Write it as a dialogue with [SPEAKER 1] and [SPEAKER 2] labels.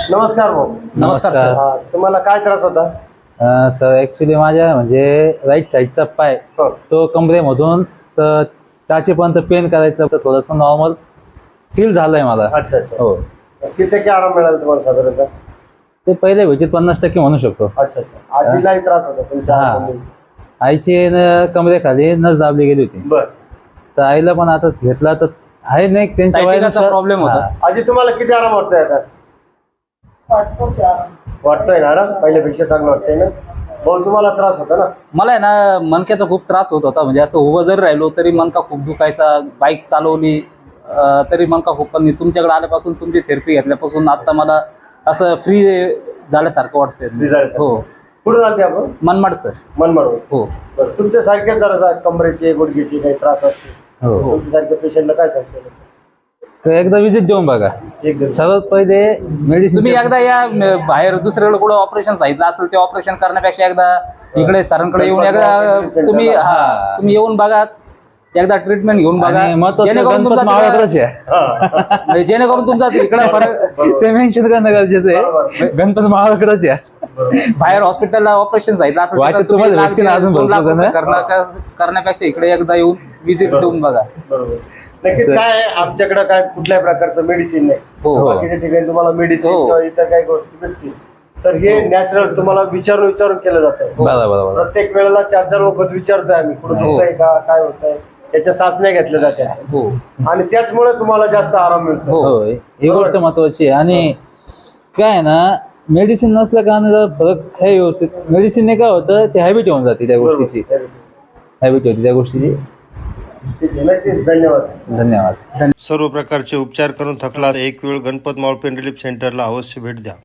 [SPEAKER 1] नमस्कार भाऊ.
[SPEAKER 2] नमस्कार सर.
[SPEAKER 1] तुम्हाला काय त्रास होता?
[SPEAKER 2] सर ॲक्च्युली माझ्या म्हणजे राईट साईडचा पाय तो कमरेमधून तर टाचेपर्यंत पेन करायचं, तर थोडंसं नॉर्मल फील झालंय मला.
[SPEAKER 1] अच्छा अच्छा.
[SPEAKER 2] हो.
[SPEAKER 1] किती टक्के आराम मिळाला तुम्हाला साधारणतः?
[SPEAKER 2] ते पहिले भेटीत 50% म्हणू शकतो.
[SPEAKER 1] अच्छा अच्छा. आजीलाही त्रास होता तुमच्या हातामध्ये?
[SPEAKER 2] आईची कमरेखाली नस दाबली गेली होती.
[SPEAKER 1] बर.
[SPEAKER 2] तर आईला पण आता घेतला तर आहे नाही त्यांच्या
[SPEAKER 3] सायटिकाचा प्रॉब्लेम होता.
[SPEAKER 1] आजी तुम्हाला किती आराम वाटतोय आता? वाटतोय ना आराम? पहिल्यापेक्षा चांगलं वाटतंय ना? भाऊ तुम्हाला त्रास होता ना?
[SPEAKER 3] मला आहे ना मणक्याचा खूप त्रास होत होता. म्हणजे असं उभं जरी राहिलो तरी मणका खूप दुखायचा. बाईक चालवली तरी मणका खूप. पण तुमच्याकडे आल्यापासून, तुमची थेरपी घेतल्यापासून आता मला असं फ्री झाल्यासारखं वाटतंय. हो.
[SPEAKER 1] कुठून आलते आपण?
[SPEAKER 3] मनमाड सर.
[SPEAKER 1] मनमाड.
[SPEAKER 3] हो.
[SPEAKER 1] तुमच्या सारखे जरा कमरेचे गुडघेचे काही त्रास असते,
[SPEAKER 2] हो.
[SPEAKER 1] तुमच्यासारख्या पेशंटला काय सांगतो?
[SPEAKER 2] तर एकदा विजिट देऊन बघा. सर्वात पहिले मेडिसिन
[SPEAKER 3] तुम्ही एकदा या बाहेर दुसरीकडे कुठं ऑपरेशन सांगितलं असेल ते ऑपरेशन करण्यापेक्षा एकदा इकडे सरांकडे येऊन एकदा तुम्ही तुम्ही येऊन बघा, एकदा ट्रीटमेंट घेऊन बघा. जेणेकरून तुमचा इकडे फरक
[SPEAKER 2] ते मेन्शन करणं गरजेचं आहे. गणपती माळाकडच या.
[SPEAKER 3] बाहेर हॉस्पिटलला ऑपरेशन सांगितलं असेल
[SPEAKER 2] वाटतं
[SPEAKER 3] तर
[SPEAKER 2] तुम्हाला
[SPEAKER 3] तुम्ही
[SPEAKER 2] व्यक्तीला अजून
[SPEAKER 3] 2 लाख
[SPEAKER 2] भरपूर
[SPEAKER 3] रुपये करण्यापेक्षा इकडे एकदा येऊन विजिट देऊन बघा.
[SPEAKER 1] बरोबर. नक्कीच. काय आहे, आमच्याकडे काय कुठल्याही प्रकारचं मेडिसिन नाही.
[SPEAKER 3] हो.
[SPEAKER 1] बाकीच्या ठिकाणी तुम्हाला मेडिसिन
[SPEAKER 3] हो.
[SPEAKER 1] किंवा इतर काही गोष्टी भेटतील, तर हे नॅचरल तुम्हाला विचारून केलं जातं.
[SPEAKER 2] बरोबर.
[SPEAKER 1] प्रत्येक वेळेला 4 वखत विचारतोय आम्ही, कुठं
[SPEAKER 3] हो.
[SPEAKER 1] दुखतंय का, काय होतंय, याच्या चाचण्या घेतल्या जात्या.
[SPEAKER 3] हो.
[SPEAKER 1] आणि त्याचमुळे तुम्हाला जास्त आराम मिळतो.
[SPEAKER 2] हो, ही गोष्ट महत्वाची आहे. आणि काय आहे ना, मेडिसिन नसल्या कारणाने फरक आहे व्यवस्थित. मेडिसिनने काय होतं, ते हॅबिट होऊन जाते त्या गोष्टीची. हॅबिट होती त्या गोष्टीची.
[SPEAKER 1] ठीक आहे. नक्कीच. धन्यवाद.
[SPEAKER 2] धन्यवाद.
[SPEAKER 4] सर्व प्रकारचे उपचार करून थकला एक वेळ गणपत मावळ पेन रिलीफ सेंटरला अवश्य भेट द्या.